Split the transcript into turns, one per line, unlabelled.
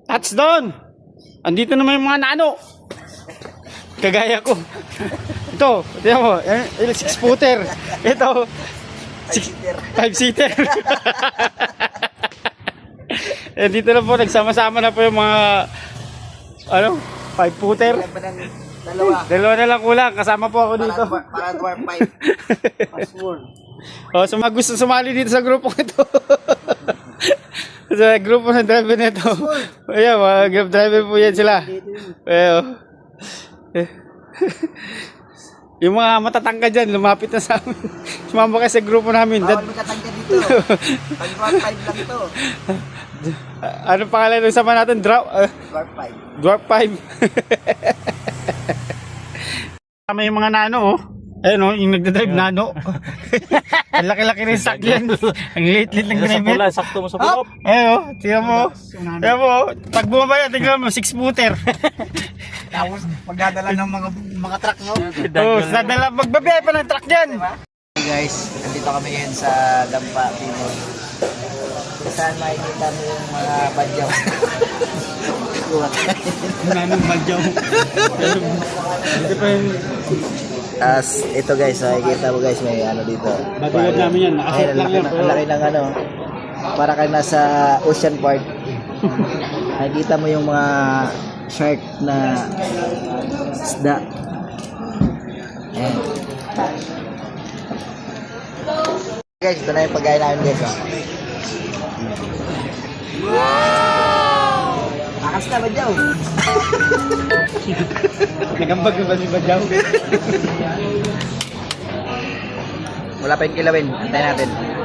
Touchdown! Andito naman yung mga nano. Kagaya ko. Ito, tingnan mo, 6-footer. Ito, 5-seater. Dito na po, nagsama-sama na po yung mga, 5-footer. Dalawa na lang kulang, kasama po ako dito.
Para dwarf 5. Password.
So mga gusto sumali dito sa grupo ito. Sa grupo ng driver nito. Ayan, mga grab driver po yan sila. Ayan. Yung mga matatangka dyan, lumapit na sa amin. Sumama kayo sa grupo namin.
Bawal magkatangka dito. Pag dwarf 5 lang to.
Ano pangalan ng sama natin?
Dwarf 5.
Dwarf 5. Tama yung mga nano, oh. Ayun, oh, yung nagdadrive nano. Ang laki-laki rin sakyan. Ang liit-liit ng driver.
Sakto mo sa pulop.
Ayun, oh. Tingnan mo. Tingnan mo. Pag bumaba yan, tingnan mo, 6-footer.
Tapos magdadala ng mga truck, no?
Oh, sadala, magbabiyay pa ng truck dyan.
Hey guys, nandito kami ngayon sa Dampa, Pinoy. Saan makikita mo yung mga badyaw?
Nanong badyaw. Hindi pa yung...
As ito guys, makikita mo guys, may ano dito.
Bodyguard namin yan, nakaset lang yan.
Ang laki ng ano, para kayo nasa Ocean Park. Nakikita mo yung mga shark na isda. Ayan. Guys, ito na yung pagkain namin guys. Wow! Akas na ba dyaw?
Nagambag na ba si badyaw?
Wala pa yung kilawin. Antayin natin.